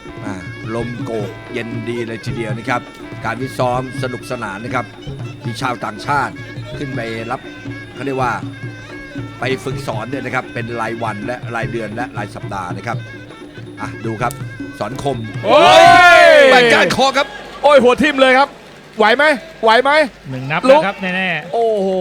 ลมโกกเย็นดีเลยทีเดียวนะครับการวิซ้อมสนุกสนานนะครับมีชาวต่างชาติขึ้นไปรับเขาเรียกว่าไปฝึกสอนเนี่ยนะครับเป็นรายวันและรายเดือนและรายสัปดาห์นะครับดูครับสอนคมโอ้ยแบกก้านคอครับโอ้ยหัวทิ่มเลยครับไหวไหมหนึ่งนับนะครับแน่ๆโอ้โห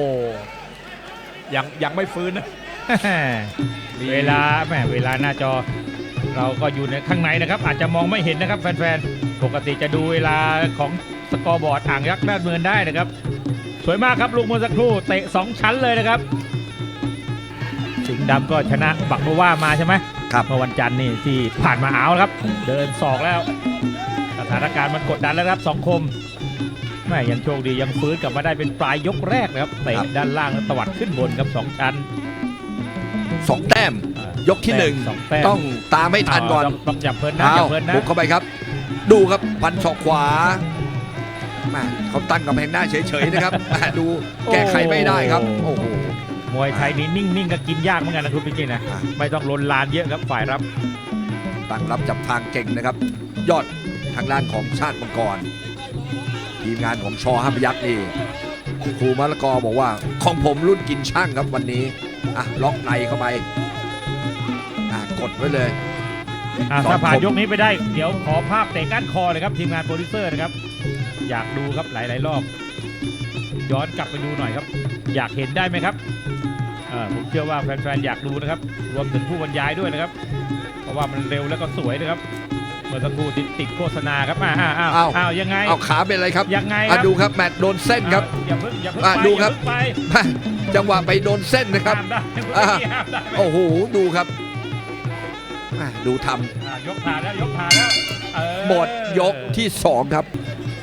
ยังไม่ฟื้นนะเวลาหน้าจอเราก็อยู่ในข้างในนะครับอาจจะมองไม่เห็นนะครับแฟนๆปกติจะดูเวลาของสกอร์บอร์ดอ่างยักษ์ด้านเมืองได้นะครับสวยมากครับลูกเมื่อสักครู่เตะ2ชั้นเลยนะครับสิงห์ดำก็ชนะบักโบว่ามาใช่ไหมครับเมื่อวันจันทร์นี่ที่ผ่านมาเอาครับเดินศอกแล้วสถานการณ์มันกดดันแล้วครับสองคมไม่ยังโชคดียังฟื้นกลับมาได้เป็นปลายยกแรกนะครับเตะด้านล่างแล้วตวัดขึ้นบนครับ2ชั้น 2 แต้มยกที่1ต้องตามให้ทันก่อนต้องอย่าเพลินนะอย่าเพลินนะบุกเข้าไปครับดูครับพันศอกขวาเขาตั้งกำแพงหน้าเฉยๆนะครับดูแก้ไขไม่ได้ครับโอ้โหมวยไทยนี่นิ่งๆก็กินยากเหมือนกันนะคุณพี่กินนะไม่ต้องลนลานเยอะครับฝ่ายรับตั้งรับจับทางเก่งนะครับยอดทางด้านของชาติมังกรทีมงานของชอ5 พยัคฆ์นี่ครูมะละกอบอกว่าของผมรุ่นกินช่างครับวันนี้ล็อกในเข้าไปกดไว้เลยถ้าผ่านยกนี้ไปได้เดี๋ยวขอภาพเตะก้านคอเลยครับทีมงานโปรดิวเซอร์นะครับอยากดูครับหลายๆรอบย้อนกลับไปดูหน่อยครับอยากเห็นได้ไหมครับผมเชื่อว่าแฟนๆอยากดูนะครับรวมถึงผู้บรรยายด้วยนะครับเพราะว่ามันเร็วแล้วก็สวยนะครับเมื่อสักครู่ติดโฆษณาครับยังไงเอาขาเป็นอะไรครับยังไงดูครับแมตช์โดนเส้นครับอย่าเพิ่งดูครับจังหวะไปโดนเส้นนะครับโอ้โหดูครับดูทำยกผ่านแล้วหมดยกที่2ครับ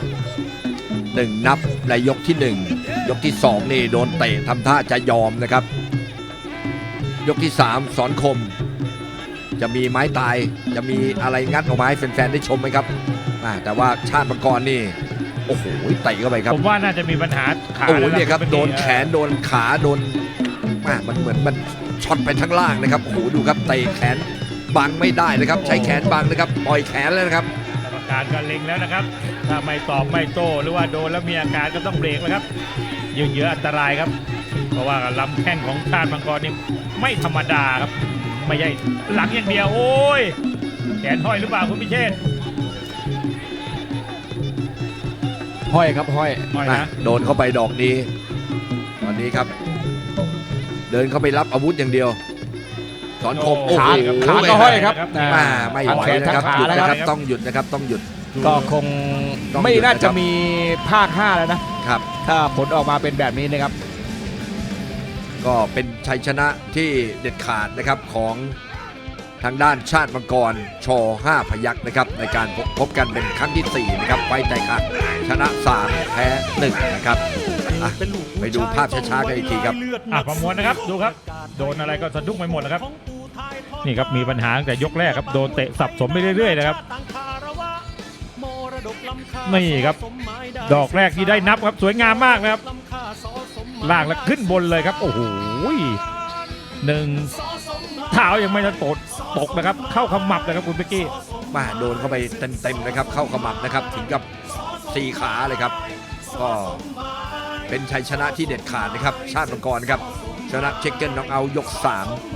1 นับในยกที่1ยกที่2นี่โดนเตะทำท่าจะยอมนะครับยกที่3สอนคมจะมีไม้ตายจะมีอะไรงัดออกมาให้แฟนๆได้ชมไหมครับแต่ว่าชาติมังกรนี่โอ้โหเตะเข้าไปครับผมว่าน่าจะมีปัญหาขาโอ้โหเนี่ยครับโดนแขนโดนขาโดนมันเหมือนมันช็อตไปทั้งล่างนะครับโอ้โหดูครับเตะแขนบังไม่ได้นะครับใช้แขนบังนะครับปล่อยแขนแล้วนะครับกรรมการก็เล็งแล้วนะครับถ้าไม่ตอบไม่โต้หรือว่าโดนแล้วมีอาการก็ต้องเบรกแล้วครับยืนเยอะอันตรายครับเพราะว่าลำแข้งของชาติมังกรนี่ไม่ธรรมดาครับไม่ใช่หลังอย่างเดียวโอ้ยแขนห้อยหรือเปล่าคุณพิเชษห้อยครับห้อยนะโดนเข้าไปดอกนี้ตอนนี้ครับเดินเข้าไปรับอาวุธอย่างเดียวสอนคมขาก็ห้อยครับไม่ไหวนะครับหยุดนะครับต้องหยุดนะครับต้องหยุดก็คงไม่น่าจะมีภาค5แล้วนะครับถ้าผลออกมาเป็นแบบนี้นะครับก็เป็นชัยชนะที่เด็ดขาดนะครับของทางด้านชาติมังกรช5 พยัคฆ์นะครับในการพบกันเป็นครั้งที่4นะครับไฟแตกขาดชนะ3แพ้1นะครับไปดูภาพช้าๆกันอีกทีครับประมวลนะครับดูครับโดนอะไรก็สะดุ้งไปหมดแล้วครับนี่ครับมีปัญหาตั้งแต่ยกแรกครับโดนเตะสับสมไปเรื่อยๆนะครับนี่ครับดอกแรกที่ได้นับครับสวยงามมากนะครับล่างแล้วขึ้นบนเลยครับโอ้โห1 เท้ายังไม่จะตกนะครับเข้าขมับนะครับคุณเป๊กกี้โดนเข้าไปเต็มๆนะครับเข้าขมับนะครับถึงกับ4 ขาเลยครับก็เป็นชัยชนะที่เด็ดขาดนะครับชาติมังกรครับชนะเช็คเกิลน็อกเอาท์ยก3